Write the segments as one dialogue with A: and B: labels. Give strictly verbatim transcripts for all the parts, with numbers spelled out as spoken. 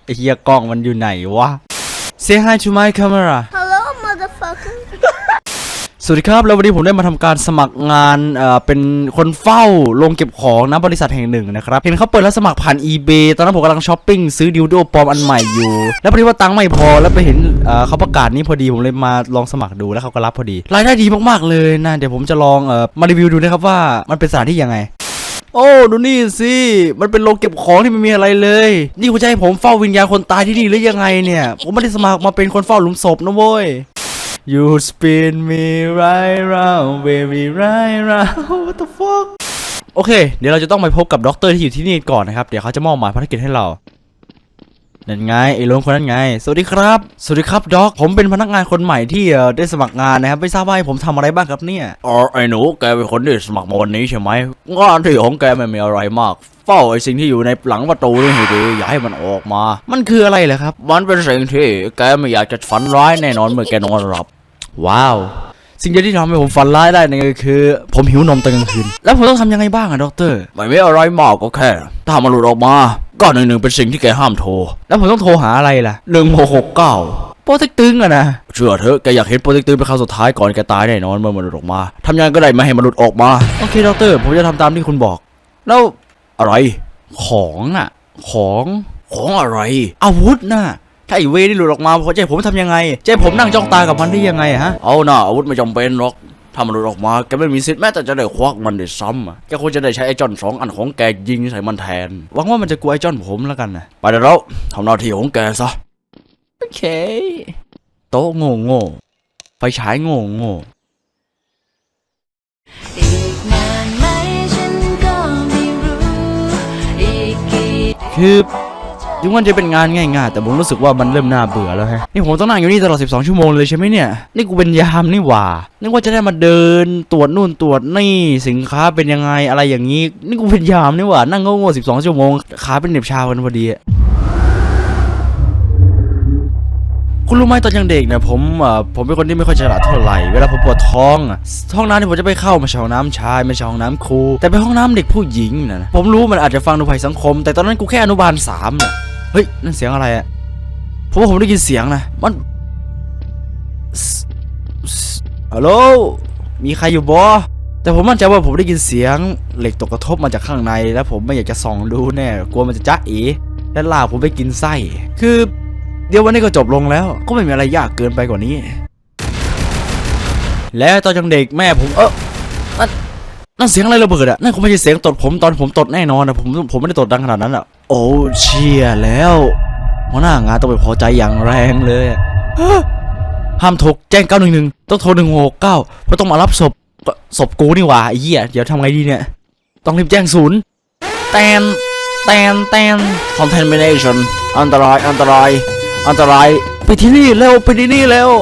A: เฮียกล้องมันอยู่ไหนวะ Say hi to my camera
B: Hello motherfucker
A: สวัสดีครับแล้ววันนี้ผมได้มาทำการสมัครงานเอ่อเป็นคนเฝ้าโรงเก็บของนะบริษัทแห่งหนึ่งนะครับเห็นเขาเปิดรับสมัครผ่าน eBay ตอนนั้นผมกำลังช้อปปิ้งซื้อดิวโดปลอมอันใหม่อยู่แล้วพอดีว่าตังค์ไม่พอแล้วไปเห็นเอ่อเขาประกาศนี้พอดีผมเลยมาลองสมัครดูแล้วเขาก็รับพอดีรายได้ดีมากๆเลยนะเดี๋ยวผมจะลองเอ่อมารีวิวดูนะครับว่ามันเป็นสถานที่ยังไงโอ้ดูนี่สิมันเป็นโรงเก็บของที่ไม่มีอะไรเลยนี่คุณจะให้ผมเฝ้าวิญญาณคนตายที่นี่หรือยังไงเนี่ยผมไม่ได้สมัครมาเป็นคนเฝ้าหลุมศพนะเว้ยYou spin me right round baby right round what the fuck โอเคเดี๋ยวเราจะต้องไปพบกับด็อกเตอร์ที่อยู่ที่นี่ก่อนนะครับเดี๋ยวเขาจะมอบหมายภารกิจให้เรานั่นไงไอ้โลงคนนั้นไงสวัสดีครับสวัสดีครับด็อกผมเป็นพนักงานคนใหม่ที่ได้สมัครงานนะครับไม่ทราบว่าผมทำอะไรบ้างครับเนี่ยอ๋อไอ้หนูแกเป็นคนที่สมัครมาวันนี้ใช่ไหมงานที่ของแกไม่มีอะไรมากเฝ้าไอ้สิ่งที่อยู่ในหลังประตูนี่ให้ดีอย่าให้มันออกมามันคืออะไรเหรอครับมันเป็นสิ่งที่แกไม่อยากจะฝันร้ายแน่นอนเมื่อแกนอนหลับว้าวสิ่งเดียวที่ทำให้ผมฝันร้ายได้นั่นก็คือผมหิวนมตอนกลางคืนแล้วผมต้องทำยังไงบ้างอะด็อกเตอร์ไม่มีอะไรมากก็แค่ถ้ามันหลุดออกมาก็หนึ่งหนึ่งเป็นสิ่งที่แกห้ามโทรแล้วผมต้องโทรหาอะไรล่ะหนึ่งหกหกเก้าโปรเทคตึงอะนะเชื่อเถอะแกอยากเห็นโปรเทคตึงเป็นครั้งสุดท้ายก่อนแกตายแน่นอนเมื่อมันหลุดออกมาทำยังไงก็ได้ไม่ให้มันหลุดออกมาโอเคด็อกเตอร์ผมจะทำตามที่คุณบอกแล้วอะไรของอะของของอะไรอาวุธน่ะถ้าไอเวนี่หลุดออกมาพอใจผมทำยังไงใจผมนั่งจ้องตากับมันได้ยังไงฮะเอาหน่าอาวุธไม่จำเป็นหรอกถ้ามันหลุดออกมาแกไม่มีสิทธิ์แม้แต่จะได้ควักมันได้ซ้ำอ่ะแกควรจะได้ใช้ไอ้จอนสองอันของแกยิงใส่มันแทนหวังว่ามันจะกลัวไอ้จอนผมแล้วกันนะไปเดี๋ยวเราทำหน้าที่ของแกซะโอเคโต๊ะโง่โง่ไฟฉายโง่โง่คือถึงมันจะเป็นงานง่ายๆแต่ผมรู้สึกว่ามันเริ่มน่าเบื่อแล้วฮะนี่ผมต้องนั่งอยู่นี่ตลอดสิบสองชั่วโมงเลยใช่ไหมเนี่ยนี่กูเป็นยามนี่หว่านึกว่าจะได้มาเดินตรวจนู่นตรวจนี่สินค้าเป็นยังไงอะไรอย่างนี้นี่กูเป็นยามนี่หว่านั่งโง่ๆสิบสองชั่วโมงขาเป็นเหน็บชากันพอดีคุณรู้ไหมตอนยังเด็กเนี่ยผมอ่าผมเป็นคนที่ไม่ค่อยฉลาดเท่าไหร่เวลาผมปวดท้องอ่ะห้องน้ำที่ผมจะไปเข้ามาใช่ห้องน้ำชายไม่ใช่ห้องน้ำครูแต่เป็นห้องน้ำเด็กผู้หญิงนะผมรู้มันอาจจะฟังดูภัยสังคมแต่ตอนนั้นกูแค่อนุบาลสามน่ะเฮ้ยนั่นเสียงอะไรอ่ะผมว่าผมได้ยินเสียงนะมันฮัลโหลมีใครอยู่บ่แต่ผมมั่นใจว่าผมได้ยินเสียงเหล็กตกกระทบมาจากข้างในแล้วผมไม่อยากจะส่องดูแน่กลัวมันจะจ๊ะเอ๋และลากผมไปกินไส้คือเดี๋ยววันนี้ก็จบลงแล้วก็ไม่มีอะไรยากเกินไปกว่านี้แล้วตอนยังเด็กแม่ผมเออนั่นนั่นเสียงอะไรระเบิดอะนั่นคงไม่ใช่เสียงตดผมตอนผมตดแน่นอนนะผมผมไม่ได้ตดดังขนาดนั้นอะโอ้เชี่ยแล้วหัวหน้างานต้องไปพอใจอย่างแรงเลยห้ามโทรแจ้งเก้าหนึ่งหนึ่งต้องโทรหนึ่งหกเก้าเพราะต้องมารับศพศพกูนี่หว่าไอ้เหี้ยเดี๋ยวทำไงดีเนี่ยต้องรีบแจ้งศูนย์แตนแตนแตน contamination อันตรายอันตรายอันตรายไปที่นี่เร็วไปที่นี่เร็ว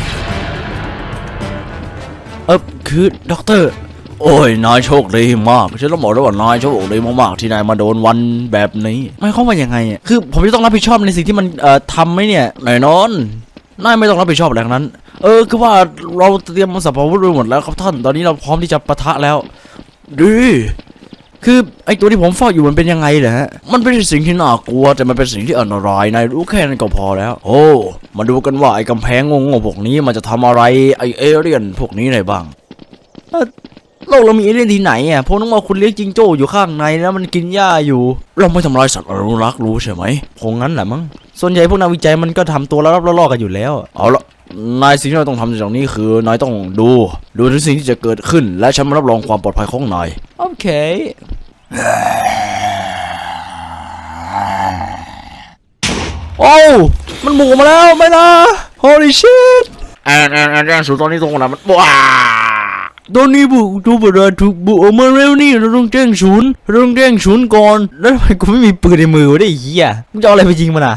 A: เออคือด็อกเตอร์โอ้ยนายโชคดีมากฉันต้องบอกด้วยว่านายโชคดีมากๆที่นายมาโดนวันแบบนี้ไม่เข้ามายังไงอ่ะคือผมจะต้องรับผิดชอบในสิ่งที่มันเอ่อทำไหมเนี่ยแน่นอนนายไม่ต้องรับผิดชอบอะไรทั้งนั้นเออคือว่าเราเตรียมสัพพะวุธไว้หมดแล้วครับท่านตอนนี้เราพร้อมที่จะปะทะแล้วดีคือไอตัวที่ผมเฝ้าอยู่มันเป็นยังไงเหรอฮะมันเป็นสิ่งที่น่ากลัวแต่มันเป็นสิ่งที่อันตรายนายรู้แค่นั้นก็พอแล้วโอ้มาดูกันว่าไอกำแพงงงๆพวกนี้มันจะทำอะไรไอเอเลี่ยนพวกนี้ได้บ้างโลกเรามีเอเลี่ยนที่ไหนอ่ะพวกน้องว่าคุณเลี้ยงจิงโจ้อยู่ข้างในแล้วมันกินหญ้าอยู่เราไม่ทำลายสัตว์อนุรักษ์รู้ใช่ไหมคงงั้นแหละมั้งส่วนใหญ่พวกนักวิจัยมันก็ทำตัวแล้วล่อๆกันอยู่แล้วเอาละนายสิ่งที่เราต้องทำจากนี้คือนายต้องดูดูถึงสิ่งที่จะเกิดขึ้นและฉันมารับรองความปลอดภัยของนายโอเคโอ้มันหมุนมาแล้วไม่นะ holy shit แอนแอนแอนแอนสุดตอนนี้ตรงนั้นมันว้าตอนนี้บุกดูบราถูกบุกออกมาเร็วนี่เราต้องแจ้งศูนย์เราต้องแจ้งศูนย์ก่อนแล้วทำไมกูไม่มีปืนในมือวะได้เหี้ยมึงจะเอาอะไรไปยิงมันอ่ะ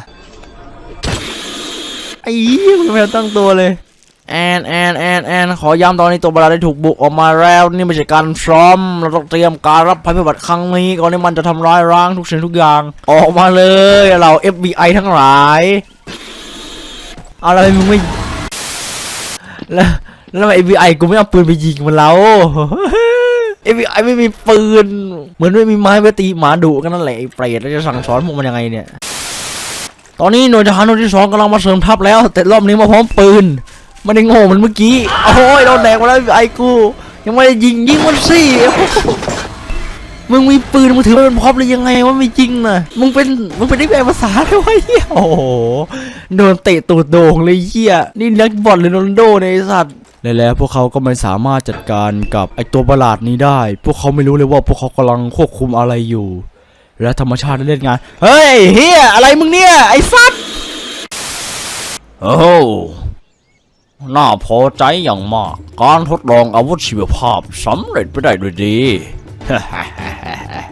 A: ไอ้เหี้ยมึงไม่ตั้งตัวเลยแอนแอนแอนแอนขอย้ำตอนนี้ตัวบราได้ถูกบุกออกมาแล้วนี่ไม่ใช่การซ้อมเราต้องเตรียมการรับภัยพิบัติครั้งนี้ก่อนที่มันจะทำร้ายร่างทุกสิ่งทุกอย่างออกมาเลยเรา เอฟ บี ไอ ทั้งหลายเอาอะไรมึงไม่แล้วแล้วไอ เอฟ บี ไอ กูไม่เอาปืนไปยิงมันแล้ว เอฟ บี ไอ ไม่มีปืนเหมือนไม่มีไม้ไปตีหมาดุกันนั่นแหละไอ้เปรตแล้วจะสั่งสอนพวกมันยังไงเนี่ยตอนนี้หน่วยทหารหน่วยที่สองกำลังมาเสริมทัพแล้วแต่รอบนี้มาพร้อมปืนไม่ได้โง่เหมือนเมื่อกี้โอ้ยโดนแดกมาแล้วไอ้กูยังไม่ได้ยิงยิงมันสิมึงมีปืนมึงถือมันเป็นพร็อพเลยยังไงว่าไม่จริงนะมึงเป็นมึงเป็นนักแปลภาษาด้วยวะเฮียโอ้โหโดนเตะตูดโด่งเลยเฮียนี่นักบอลหรือโรนัลโดในไอ้สัตว์แล้วพวกเขาก็ไม่สามารถจัดการกับไอตัวประหลาดนี้ได้พวกเขาไม่รู้เลยว่าพวกเขากำลังควบคุมอะไรอยู่และธรรมชาติได้เล่นงานเฮ้ยเฮียอะไรมึงเนี่ยไอ้สัตว์โอ้น่าพอใจอย่างมากการทดลองอาวุธชีวภาพสำเร็จไปได้ด้วยดี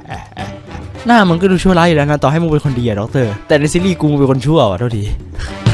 A: หน้ามึงก็ดูชั่วร้ายอยู่แล้วนะต่อให้มึงเป็นคนดีอะด็อกเตอร์แต่ในซีรีส์กูมึงเป็นคนชั่วว่ะเท่าที